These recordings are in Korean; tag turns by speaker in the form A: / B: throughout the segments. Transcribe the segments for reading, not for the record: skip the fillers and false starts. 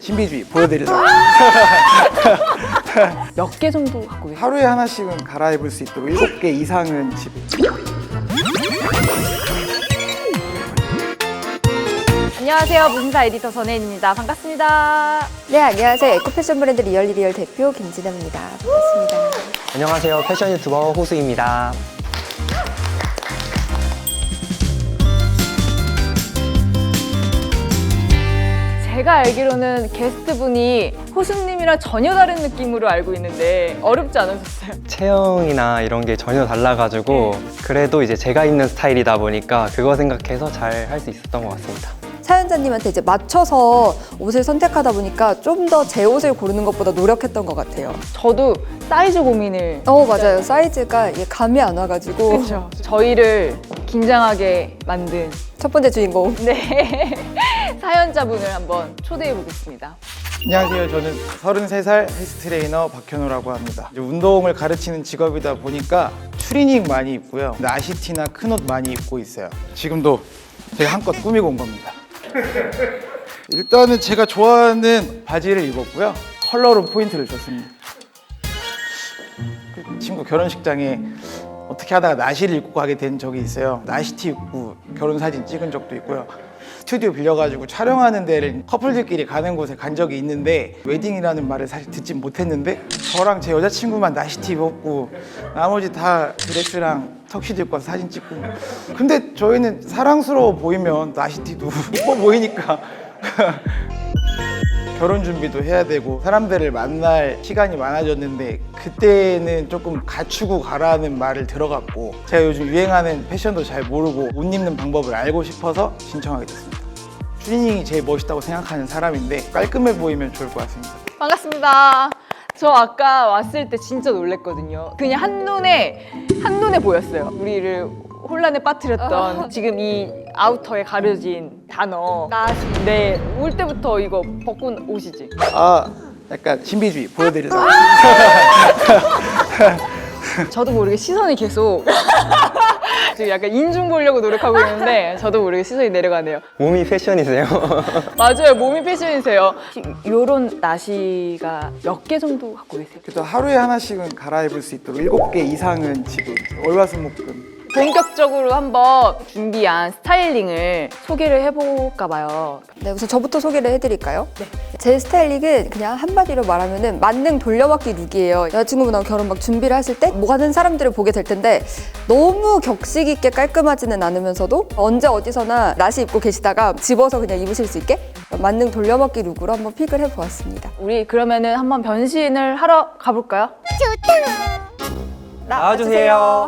A: 신비주의 보여드리려고.
B: 몇 개 정도 갖고 계세요?
A: 하루에 하나씩은 갈아입을 수 있도록 7개 이상은 집에.
B: 안녕하세요. 무신사 에디터 전혜인입니다. 반갑습니다.
C: 네, 안녕하세요. 에코패션 브랜드 리얼리리얼 대표 김진아입니다. 반갑습니다.
D: 안녕하세요. 패션 유튜버 호수입니다.
B: 제가 알기로는 게스트분이 호수님이랑 전혀 다른 느낌으로 알고 있는데 어렵지 않으셨어요?
D: 체형이나 이런 게 전혀 달라가지고 그래도 이제 제가 입는 스타일이다 보니까 그거 생각해서 잘 할 수 있었던 것 같습니다.
C: 사연자님한테 이제 맞춰서 옷을 선택하다 보니까 좀 더 제 옷을 고르는 것보다 노력했던 것 같아요.
B: 저도 사이즈 고민을
C: 맞아요. 사이즈가 이게 감이 안 와가지고.
B: 그렇죠. 저희를 긴장하게 만든
C: 첫 번째 주인공.
B: 네 사연자분을 한번 초대해 보겠습니다.
A: 안녕하세요. 저는 33살 헬스 트레이너 박현우라고 합니다. 이제 운동을 가르치는 직업이다 보니까 추리닝 많이 입고요. 나시티나 큰 옷 많이 입고 있어요. 지금도 제가 한껏 꾸미고 온 겁니다. 일단은 제가 좋아하는 바지를 입었고요. 컬러로 포인트를 줬습니다. 그 친구 결혼식장에 어떻게 하다가 나시를 입고 가게 된 적이 있어요. 나시티 입고 결혼 사진 찍은 적도 있고요. 스튜디오 빌려가지고 촬영하는 데를 커플들끼리 가는 곳에 간 적이 있는데 웨딩이라는 말을 사실 듣진 못했는데 저랑 제 여자친구만 나시티 입었고 나머지 다 드레스랑 턱시도 입고 와서 사진 찍고. 근데 저희는 사랑스러워 보이면 나시티도 이뻐 보이니까 결혼 준비도 해야 되고 사람들을 만날 시간이 많아졌는데 그때는 조금 갖추고 가라는 말을 들어갔고 제가 요즘 유행하는 패션도 잘 모르고 옷 입는 방법을 알고 싶어서 신청하게 됐습니다. 추리닝이 제일 멋있다고 생각하는 사람인데 깔끔해 보이면 좋을 것 같습니다.
B: 반갑습니다. 저 아까 왔을 때 진짜 놀랬거든요. 그냥 한눈에 보였어요. 우리를 혼란에 빠뜨렸던 지금 이 아우터에 가려진 단어.
C: 나시.
B: 네, 올 때부터 이거 벗고 오시지.
A: 약간 신비주의 보여드리려고.
B: 저도 모르게 시선이 계속 지금 약간 인중 보려고 노력하고 있는데 저도 모르게 시선이 내려가네요.
D: 몸이 패션이세요?
B: 맞아요, 몸이 패션이세요. 요런 나시가 몇 개 정도 갖고 계세요?
A: 그래도 하루에 하나씩은 갈아입을 수 있도록 7개 이상은 지금 월화수목금.
B: 본격적으로 한번 준비한 스타일링을 소개를 해볼까 봐요.
C: 네, 우선 저부터 소개를 해드릴까요? 네. 제 스타일링은 그냥 한마디로 말하면은 만능 돌려받기 룩이에요. 여자친구분하고 결혼 막 준비를 하실 때 많은 사람들을 보게 될 텐데 너무 격식 있게 깔끔하지는 않으면서도 언제 어디서나 나시 입고 계시다가 집어서 그냥 입으실 수 있게 만능 돌려받기 룩으로 한번 픽을 해보았습니다.
B: 우리 그러면은 한번 변신을 하러 가볼까요?
D: 나와주세요.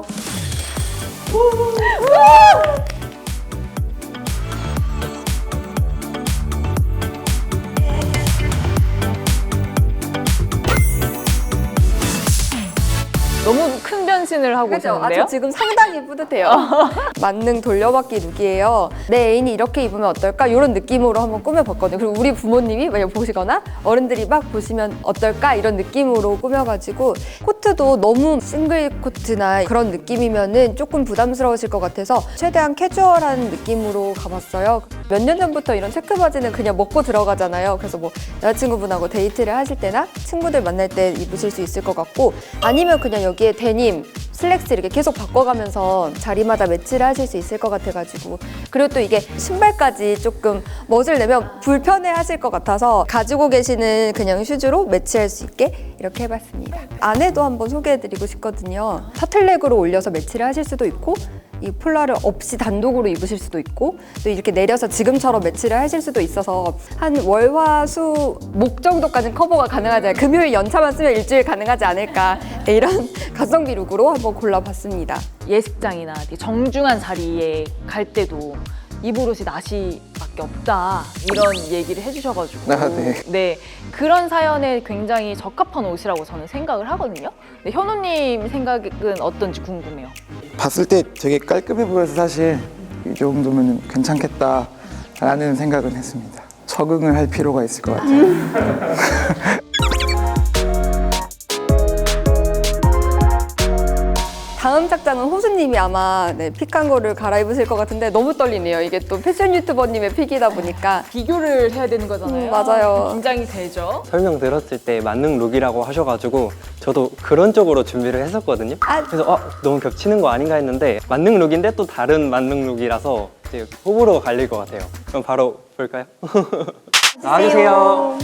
B: 너무 큰 변신을 하고
C: 그죠?
B: 오셨는데요?
C: 저 지금 상당히 뿌듯해요. 만능 돌려받기 룩이에요. 내 애인이 이렇게 입으면 어떨까? 이런 느낌으로 한번 꾸며봤거든요. 그리고 우리 부모님이 만약 보시거나 어른들이 막 보시면 어떨까? 이런 느낌으로 꾸며가지고 코트도 너무 싱글 코트나 그런 느낌이면은 조금 부담스러우실 것 같아서 최대한 캐주얼한 느낌으로 가봤어요. 몇 년 전부터 이런 체크 바지는 그냥 먹고 들어가잖아요. 그래서 뭐 여자친구분하고 데이트를 하실 때나 친구들 만날 때 입으실 수 있을 것 같고 아니면 그냥 여기에 데님, 슬랙스 이렇게 계속 바꿔가면서 자리마다 매치를 하실 수 있을 것 같아가지고 그리고 또 이게 신발까지 조금 멋을 내면 불편해 하실 것 같아서 가지고 계시는 그냥 슈즈로 매치할 수 있게 이렇게 해봤습니다. 안에도 한번 소개해드리고 싶거든요. 타틀넥으로 올려서 매치를 하실 수도 있고 이 폴라를 없이 단독으로 입으실 수도 있고 또 이렇게 내려서 지금처럼 매치를 하실 수도 있어서 한 월, 화, 수, 목 정도까지는 커버가 가능하지 않을까. 금요일 연차만 쓰면 일주일 가능하지 않을까. 네, 이런 가성비 룩으로 한번 골라봤습니다.
B: 예식장이나 되게 정중한 자리에 갈 때도 입을 옷이 나시밖에 없다 이런 얘기를 해주셔가지고
A: 네.
B: 그런 사연에 굉장히 적합한 옷이라고 저는 생각을 하거든요. 근데 현우님 생각은 어떤지 궁금해요.
A: 봤을 때 되게 깔끔해 보여서 사실 이 정도면 괜찮겠다라는 생각은 했습니다. 적응을 할 필요가 있을 것 같아요.
C: 다음 착장은 호수님이 아마 네, 픽한 거를 갈아입으실 것 같은데 너무 떨리네요. 이게 또 패션 유튜버님의 픽이다 보니까.
B: 비교를 해야 되는 거잖아요.
C: 맞아요.
B: 긴장이 되죠.
D: 설명 들었을 때 만능 룩이라고 하셔가지고 저도 그런 쪽으로 준비를 했었거든요.
C: 아.
D: 그래서 너무 겹치는 거 아닌가 했는데 만능 룩인데 또 다른 만능 룩이라서 이제 호불호가 갈릴 것 같아요. 그럼 바로 볼까요? 나와주세요.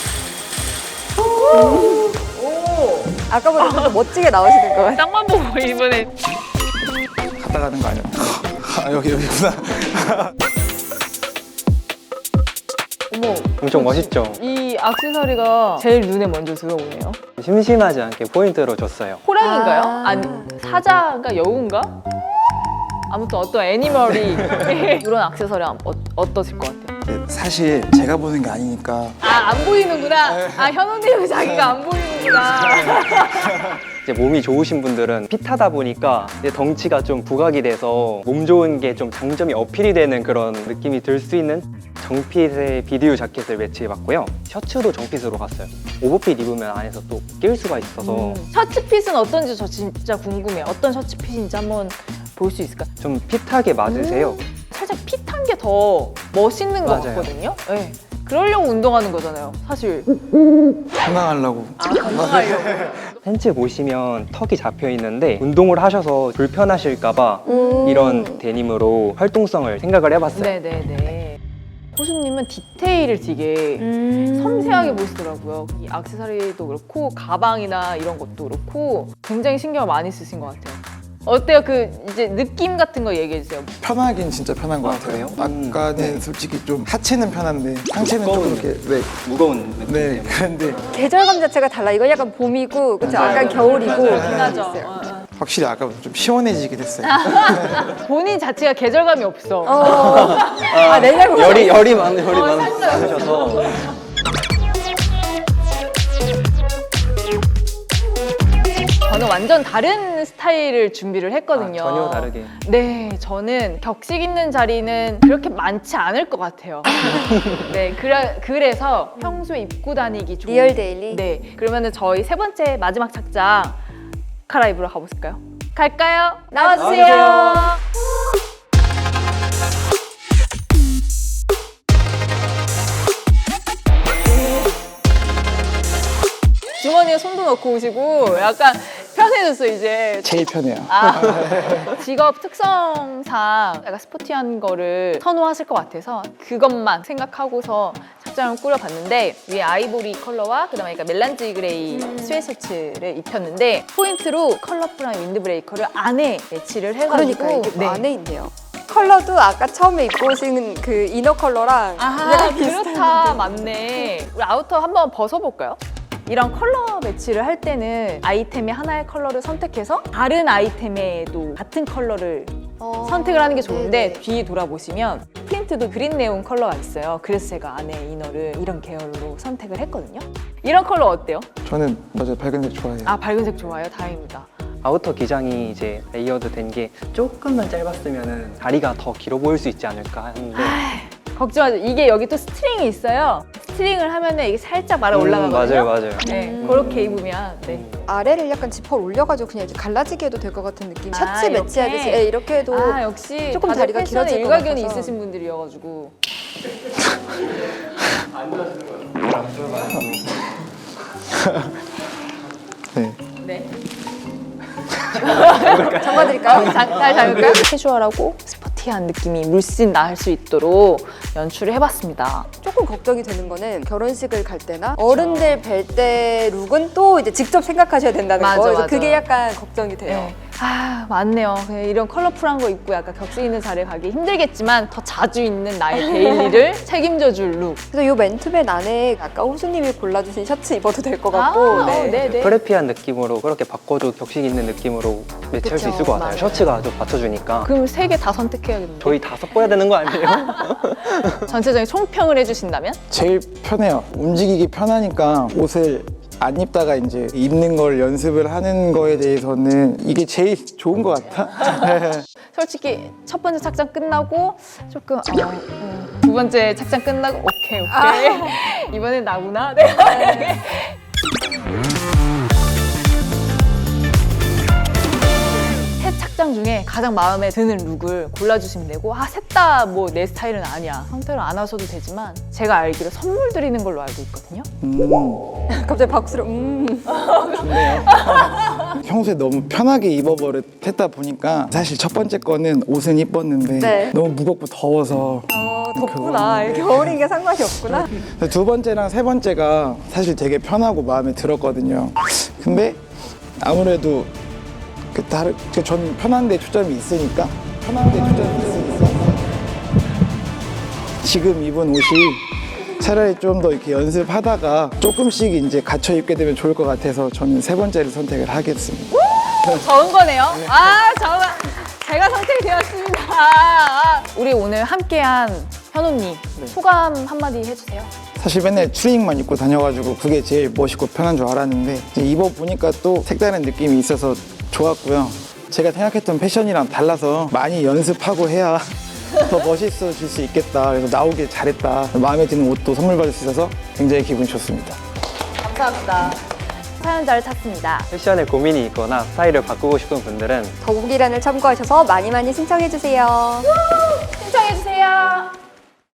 C: 아까보다 좀 더 멋지게 나오시는 것 같아요.
B: 쌍만 보고 이번에
A: 갔다 가는 거 아니야? 아, 여기구나.
B: 어머
D: 엄청 멋있죠?
B: 이 액세서리가 제일 눈에 먼저 들어오네요.
D: 심심하지 않게 포인트로 줬어요.
B: 호랑인가요?
C: 아.
B: 아니 사자인가 여우인가? 아무튼 어떤 애니멀이 이런 액세서리 어떠실 것 같아요?
A: 네, 사실 제가 보는 게 아니니까
B: 아 안 보이는구나. 아 현우님은 자기가 안 보이는구나.
D: 이제 몸이 좋으신 분들은 핏하다 보니까 이제 덩치가 좀 부각이 돼서 몸 좋은 게 좀 장점이 어필이 되는 그런 느낌이 들 수 있는 정핏의 비디오 자켓을 매치해봤고요. 셔츠도 정핏으로 갔어요. 오버핏 입으면 안에서 또 낄 수가 있어서
B: 셔츠핏은 어떤지 저 진짜 궁금해요. 어떤 셔츠핏인지 한번 볼 수 있을까요?
D: 좀 핏하게 맞으세요.
B: 살짝 핏한 게 더 멋있는 것
D: 맞아요.
B: 같거든요. 네. 그러려고 운동하는 거잖아요. 사실.
A: 건강하려고.
B: 건강하려고.
D: 팬츠 보시면 턱이 잡혀 있는데 운동을 하셔서 불편하실까봐 이런 데님으로 활동성을 생각을 해봤어요.
B: 네네네. 호수님은 디테일을 되게 섬세하게 보시더라고요. 이 액세서리도 그렇고 가방이나 이런 것도 그렇고 굉장히 신경을 많이 쓰신 것 같아요. 어때요? 그 이제 느낌 같은 거 얘기해 주세요.
A: 편하긴 진짜 편한 것 같아요.
D: 그래요?
A: 아까는 솔직히 좀 하체는 편한데 상체는 좀
D: 무거운
A: 이렇게 네,
D: 무거운 느낌.
A: 네 그런데
C: 계절감 자체가 달라. 이건 약간 봄이고, 그쵸? 약간 겨울이고.
B: 하죠.
C: 있어요.
A: 확실히 아까보다 좀 시원해지게 됐어요.
B: 본인 자체가 계절감이 없어.
C: 내 잘못.
D: 열이 많으셔서
B: 저는 완전 다른 스타일을 준비를 했거든요.
D: 전혀 다르게.
B: 네, 저는 격식 있는 자리는 그렇게 많지 않을 것 같아요. 네, 그래서 평소에 입고 다니기 좋은
C: 리얼 데일리?
B: 네, 그러면은 저희 세 번째 마지막 착장 갈아입으러 가볼까요? 갈까요? 나와주세요. 주머니에 손도 넣고 오시고 약간 편해졌어요 이제.
A: 제일 편해요.
B: 직업 특성상 약간 스포티한 거를 선호하실 것 같아서 그것만 생각하고서 착장을 꾸려봤는데 위에 아이보리 컬러와 그다음에 약간 멜란지 그레이 스웨셔츠를 입혔는데 포인트로 컬러풀한 윈드브레이커를 안에 매치를 해가지고
C: 그러니까 이게
B: 네.
C: 안에 있네요. 컬러도 아까 처음에 입고 오신 그 이너 컬러랑
B: 아
C: 약간 비슷한
B: 그렇다 맞네. 우리 아우터 한번 벗어볼까요? 이런 컬러 매치를 할 때는 아이템의 하나의 컬러를 선택해서 다른 아이템에도 같은 컬러를 선택을 하는 게 좋은데
C: 네네.
B: 뒤 돌아보시면 프린트도 그린 네온 컬러가 있어요. 그래서 제가 안에 이너를 이런 계열로 선택을 했거든요. 이런 컬러 어때요?
A: 저는 맞아요 밝은색 좋아해요.
B: 아 밝은색 좋아요. 다행입니다.
D: 아우터 기장이 이제 레이어드 된 게 조금만 짧았으면 다리가 더 길어 보일 수 있지 않을까 하는데
B: 걱정하죠. 이게 여기 또 스트링이 있어요. 스트링을 하면은 이게 살짝 말아 올라가거든요.
D: 맞아요.
B: 네, 그렇게 입으면 네.
C: 아래를 약간 지퍼를 올려가지고 그냥 이렇게 갈라지게 해도 될 것 같은 느낌. 셔츠
B: 이렇게?
C: 매치하듯이 이렇게 해도
B: 아 역시
C: 조금
B: 다들
C: 다리가
B: 패션에
C: 길어질 것
B: 일가견이
C: 같아서.
B: 있으신 분들이어가지고
A: 네.
B: 네.
C: 잠궈드릴까요?
B: 잘 잡을까요? 캐주얼하고 스포티한 느낌이 물씬 날 수 있도록 연출을 해봤습니다.
C: 조금 걱정이 되는 거는 결혼식을 갈 때나 어른들 뵐 때 룩은 또 이제 직접 생각하셔야 된다는
B: 맞아,
C: 거. 그래서
B: 맞아.
C: 그게 약간 걱정이 돼요.
B: 네. 아 맞네요. 그냥 이런 컬러풀한 거 입고 약간 격식 있는 자리에 가기 힘들겠지만 더 자주 입는 나의 데일리를 책임져줄 룩.
C: 그래서 이 맨투맨 안에 아까 호수님이 골라주신 셔츠 입어도 될 것 같고.
B: 네네.
D: 프레피한 느낌으로 그렇게 바꿔도 격식 있는 느낌으로 매치할 수
C: 그쵸,
D: 있을 것 같아요.
C: 맞아요.
D: 셔츠가 좀 받쳐주니까.
B: 그럼 세 개 다 선택해야겠네요.
D: 저희 다 섞어야 되는 거 아니에요?
B: 전체적인 총평을 해주신다면?
A: 제일 편해요. 움직이기 편하니까 옷을 안 입다가 이제 입는 걸 연습을 하는 거에 대해서는 이게 제일 좋은 것 같아.
B: 솔직히 첫 번째 착장 끝나고 조금 두 번째 착장 끝나고 오케이 이번엔 나구나. 네. 장 중에 가장 마음에 드는 룩을 골라주시면 되고 셋 다 뭐 내 스타일은 아니야. 선택을 안 하셔도 되지만 제가 알기로 선물 드리는 걸로 알고 있거든요.
C: 갑자기 박수로
A: 좋네요. 평소에 너무 편하게 입어버릇했다 보니까 사실 첫 번째 거는 옷은 이뻤는데
C: 네.
A: 너무 무겁고 더워서
C: 덥구나. 이렇게 겨울인 게 상관이 없구나.
A: 두 번째랑 세 번째가 사실 되게 편하고 마음에 들었거든요. 근데 아무래도 저는 편한 데 초점이 있으니까 지금 입은 옷이 차라리 좀 더 이렇게 연습하다가 조금씩 이제 갖춰 입게 되면 좋을 것 같아서 저는 세 번째를 선택을 하겠습니다.
B: 적은 거네요. 제가 선택이 되었습니다. 우리 오늘 함께한 현우님 소감 한마디 해주세요.
A: 사실 맨날 추리닝만 입고 다녀가지고 그게 제일 멋있고 편한 줄 알았는데 이제 입어보니까 또 색다른 느낌이 있어서 좋았고요. 제가 생각했던 패션이랑 달라서 많이 연습하고 해야 더 멋있어질 수 있겠다. 그래서 나오길 잘했다. 마음에 드는 옷도 선물 받을 수 있어서 굉장히 기분이 좋습니다.
B: 감사합니다.
C: 사연자를 찾습니다.
D: 패션에 고민이 있거나 스타일을 바꾸고 싶은 분들은
C: 더보기란을 참고하셔서 많이 신청해주세요.
B: 신청해주세요.